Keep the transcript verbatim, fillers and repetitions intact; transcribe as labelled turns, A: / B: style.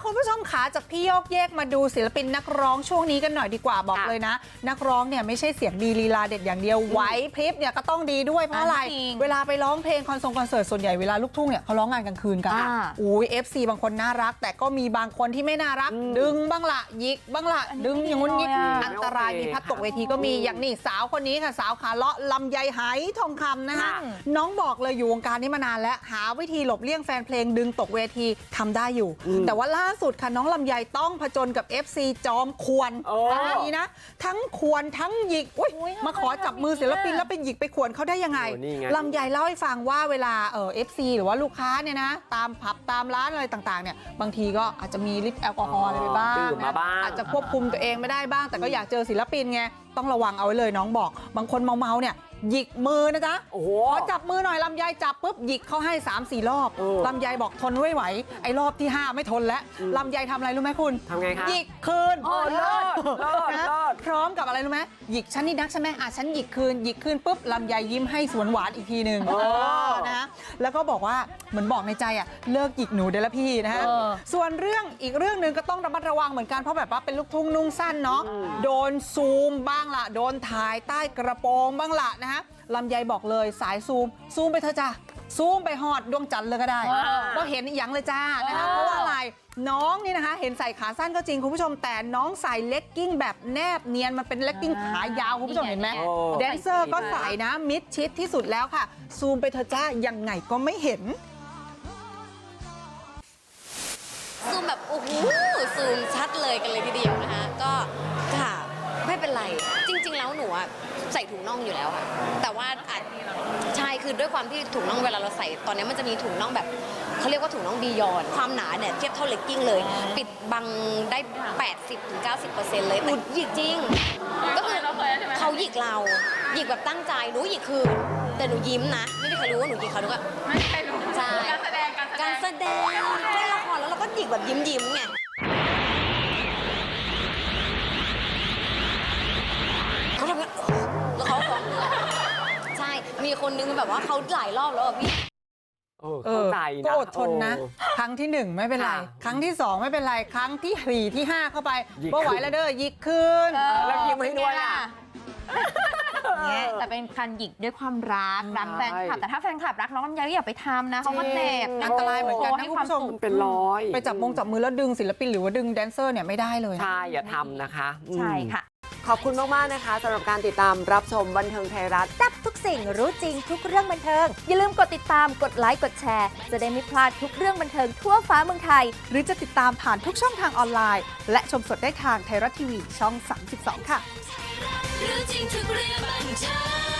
A: คุณผู้ชมขาจากพี่โยกเยกมาดูศิลปินนักร้องช่วงนี้กันหน่อยดีกว่าบอกเลยนะนักร้องเนี่ยไม่ใช่เสียงดีลีลาเด็ดอย่างเดียวไหวพริบเนี่ยก็ต้องดีด้วยเพราะอะไรเวลาไปร้องเพลงคอนเสิร์ตคอนเสิร์ตส่วนใหญ่เวลาลูกทุ่งเนี่ยเขาร้องงานกลางคืนกันอุ้ย เอฟ ซี บางคนน่ารักแต่ก็มีบางคนที่ไม่น่ารักดึงบ้างละยิกบ้างละดึงอย่างงู้นยิกอันตรายมีพัดตกเวทีก็มีอย่างนี้สาวคนนี้ค่ะสาวขาเลาะลำไยไหทองคำนะคะน้องบอกเลยอยู่วงการนี้มานานแล้วหาวิธีหลบเลี่ยงแฟนเพลงดึงตกเวทีทำได้อยู่แต่ว่าล่าสุดค่ะน้องลำไยต้องผจญกับ เอฟ ซี จอมควนนี่นะทั้งควนทั้งหยิกมาขอจับมือศิลปินแล้วไปหยิกไปขวนเขาได้ยังไงลำไยเล่าให้ฟังว่าเวลาเออ เอฟ ซี หรือว่าลูกค้าเนี่ยนะตามผับตามร้านอะไรต่างๆเนี่ยบางทีก็อาจจะมีฤทธิ์แอลกอฮอล์อะไรไปบ้างนะอาจจะควบคุมตัวเองไม่ได้บ้างแต่ก็อยากเจอศิลปินไงต้องระวังเอาไว้เลยน้องบอกบางคนเมาๆเนี่ยหยิกมือนะจ๊ะขอจับมือหน่อยลำไยจับปุ๊บหยิกเขาให้ สามสี่ รอบลำไยบอกทนไม่ไหวไอ้รอบที่ห้าไม่ทนแล้วลำไยทำอะไรรู้ไหมคุณ
B: ทำไงคะ
A: หยิกคืน
B: โอ้เลิศเลิศเลิศ
A: พร้อมกับอะไรรู้ไหมหยิกฉันนี่นักใช่ไหมอ่ะฉันหยิกคืนหยิกคืนปุ๊บลำไยยิ้มให้สวนหวานอีกทีหนึ่งนะแล้วก็บอกว่าเหมือนบอกในใจอ่ะเลิกหยิกหนูเดี๋ยวละพี่นะฮะส่วนเรื่องอีกเรื่องหนึ่งก็ต้องระมัดระวังเหมือนกันเพราะแบบว่าเป็นลูกทุ่งนุ่งสั้นเนาะโดนซูมบ้างละโดนถ่ายใต้กระโปรงบ้างละนะฮะลำไยบอกเลยสายซูมซูมไปเถอะจ้าซูมไปหอดดวงจันทร์เลยก็ได้ก็เห็นอย่างเลยจ้านะคะเพราะว่าอะไรน้องนี่นะคะเห็นใส่ขาสั้นก็จริงคุณผู้ชมแต่น้องใส่เลกกิ้งแบบแนบเนียนมันเป็นเลกกิ้งขายาวคุณผู้ชมเห็นไหมแดนเซอร์ก็ใส่นะมิดชิดที่สุดแล้วค่ะซูมไปเถอะจ้ายังไงก็ไม่เห็น
C: ซูมแบบโอ้โหซูมชัดเลยกันเลยทีเดียวนะคะก็ค่ะไม่เป็นไรจริงๆแล้วหนูอะใส่ถุงน่องอยู่แล้วค่ะแต่ว่าอาจใช่คือด้วยความที่ถุงน่องเวลาเราใส่ตอนนี้มันจะมีถุงน่องแบบเขาเรียกว่าถุงน่องบียอนความหนาเนี่ยเทียบเท่าเลกกิ้งเลยปิดบังได้ แปดสิบถึงเก้าสิบเปอร์เซ็นต์ เลยแต่หยิกจริงก็คือเขาหยิกเราหยิกแบบตั้งใจหนูหยิกคือแต่หนูยิ้มนะไม่มีใครรู้ว่าหนูหยิกเขาหนูก็ไม่ใช่รู้ใช่การแสดงการแสดงเล่นละครแล้วเราก็หยิกแบบยิ้มยิ้มไงเขาทำแล้วเขาฟ้องใช่มีคนนึงแบบว่าเขาหลายรอบแล้วอ่ะพี่
B: เออ
A: ก็อดทนนะครั้งที่หนึ่งไม่เป็นไรครั้งที่สองไม่เป็นไรครั้งที่สี่ที่ห้าเข้าไปก็ไหวแล้วเด้อยิกคืน
B: แล้วยิ้มให้ด้วยอ่ะ
D: แต่เป็นการหยิกด้วยความรักรักแฟนคลับแต่ถ้าแฟนคลับรักน้องลำไยก็อย่าไปทำนะเขาก็เจ็บ
A: อันตรายเหมือนกันนะคุณผู้ชม
B: เป็นร้อย
A: ไปจับมงจับมือแล้วดึงศิลปินหรือว่าดึงแดนเซอร์เนี่ยไม่ได้เลย
B: ใช่อย่าทำนะคะ
D: ใช่ค่ะ
B: ขอบคุณมากๆนะคะสำหรับการติดตามรับชมบันเทิงไทยรัฐ
E: จับทุกสิ่งรู้จริงทุกเรื่องบันเทิงอย่าลืมกดติดตามกดไลค์กดแชร์จะได้ไม่พลาดทุกเรื่องบันเทิงทั่วฟ้าเมืองไทย
A: หรือจะติดตามผ่านทุกช่องทางออนไลน์และชมสดได้ทางไทยรัฐทีวีช่องสามสิบสองค่ะรู้จริงทุกเรื่องบันเทิง